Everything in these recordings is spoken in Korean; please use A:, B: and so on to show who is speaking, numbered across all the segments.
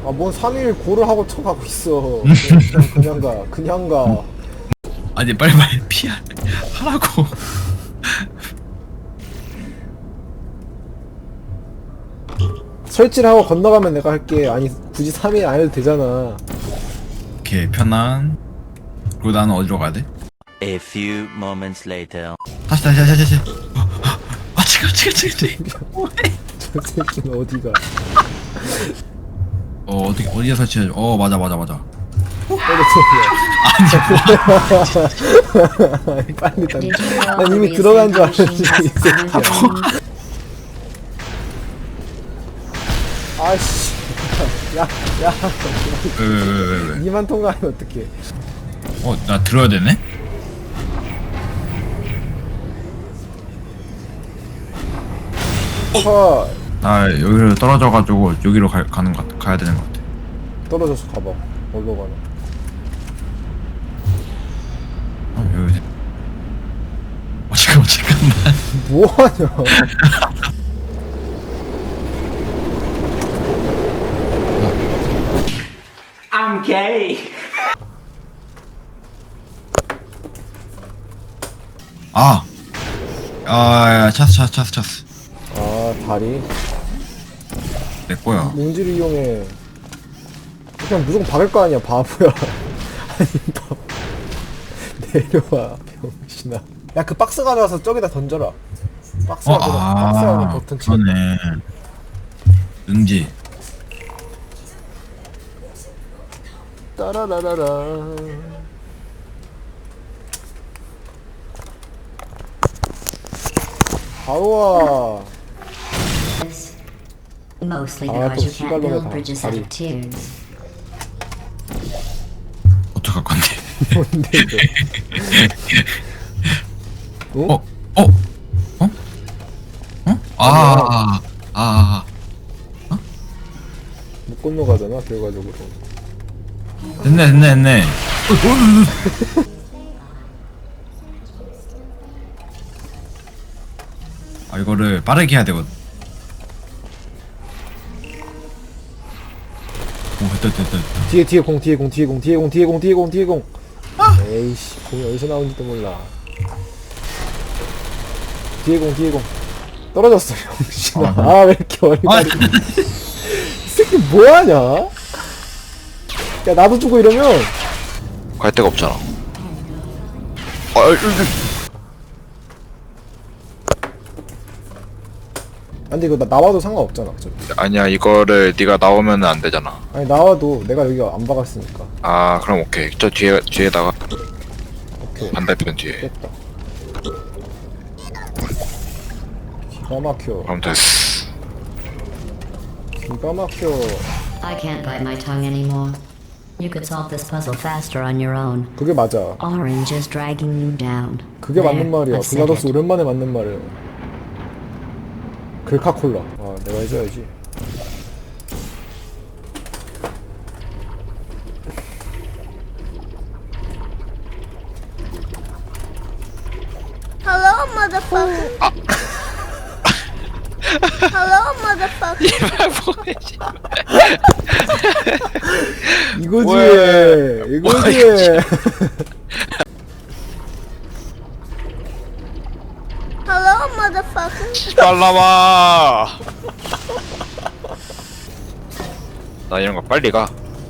A: 아, 뭔 3일 고를 하고 쳐가고 있어. 그냥 가.
B: 아니 빨리 하라고.
A: 설치를 하고 건너가면 내가 할게. 아니, 굳이 3일 안 해도 되잖아.
B: 오케이 편안. 그리고 나는 어디로 가야 돼?
C: A few moments later.
B: 다시. 지금.
A: 저 새끼는 어디가.
B: 어디에 설치해? 맞아.
A: 아니, 빨리 다. 난 이미 들어간 줄 알았는데, 이 새끼야. 아씨. 야.
B: 왜?
A: 니만 통과하면 어떡해.
B: 나 들어야 되네? 나 여기로 떨어져가지고 여기로 가야 되는 것 같아.
A: 떨어져서 가봐. 어디로 가나.
B: 여기. 잠깐만.
A: 뭐하냐.
C: I'm gay.
B: 야, 찼어.
A: 아, 다리.
B: 내 거야.
A: 몽지를 이용해. 그냥 무조건 박을 거 아니야, 바보야. 아니, 내려와, 병신아. 야, 그 박스 가져와서 저기다 던져라. 박스 안에 버튼 치고.
B: 그러네. 응지.
A: 따라라라라. 아우와.
D: Mostly
A: 아,
D: because
A: 또
D: you can't build
A: 시발놈의
D: bridges out
A: 다리.
D: of tears.
B: 어떡할 건데?
A: 뭔데, 이거? 못 건너가잖아, 결과적으로.
B: 됐네. 이거를 빠르게 해야 되거든. 됐다.
A: 뒤에 공. 에이씨, 공이 어디서 나온지도 몰라. 뒤에 공. 떨어졌어, 병신아. 왜 이렇게 어리바리. 이 새끼 뭐하냐? 야, 나도 주고 이러면.
E: 갈 데가 없잖아.
A: 근데 이거 나와도 상관없잖아, 어차피.
E: 아니야, 이거를 네가 나오면 안 되잖아.
A: 아니, 나와도 내가 여기가 안 박았으니까.
E: 아, 그럼 오케이. 저 뒤에다가
A: 오케이.
E: 반대편 뒤에.
A: 됐다. 기가 막혀.
E: 그럼 됐어.
A: 기가 막혀.
D: I can't bite my tongue anymore. You could solve this puzzle faster on your own.
A: 그게 맞아.
D: Orange is dragging you down.
A: 그게
D: There,
A: 맞는 말이야.
D: I've said
A: 블라더스
D: it.
A: 오랜만에 맞는 말이야. 글카콜라. 아, 내가 해줘야지.
F: Hello, motherfucker. Hello, motherfucker.
A: 이거지.
F: Hello, motherfucker.
E: 빨라와. 나 이런 거 빨리 가.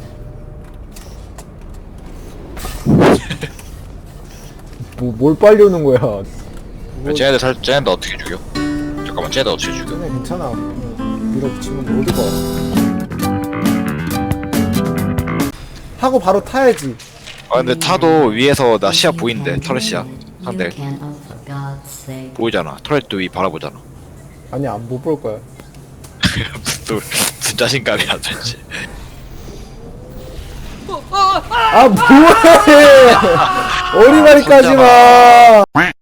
A: 뭘 빨리 오는 거야.
E: 쟤네들 어떻게 죽여? 잠깐만, 쟤네들 어떻게 죽여?
A: 그냥 괜찮아. 밀어붙이면 어디가. 하고 바로 타야지.
E: 근데 타도 위에서 나 시야 보인대. 터렛 시야. 상대
D: You can, oh, for God's sake.
E: 보이잖아. 터렛도 위 바라보잖아.
A: 아니, 안 못 볼 거야.
E: 무슨 자신감이야, 도대체.
A: 아, 뭐해! 어리바리까지 마!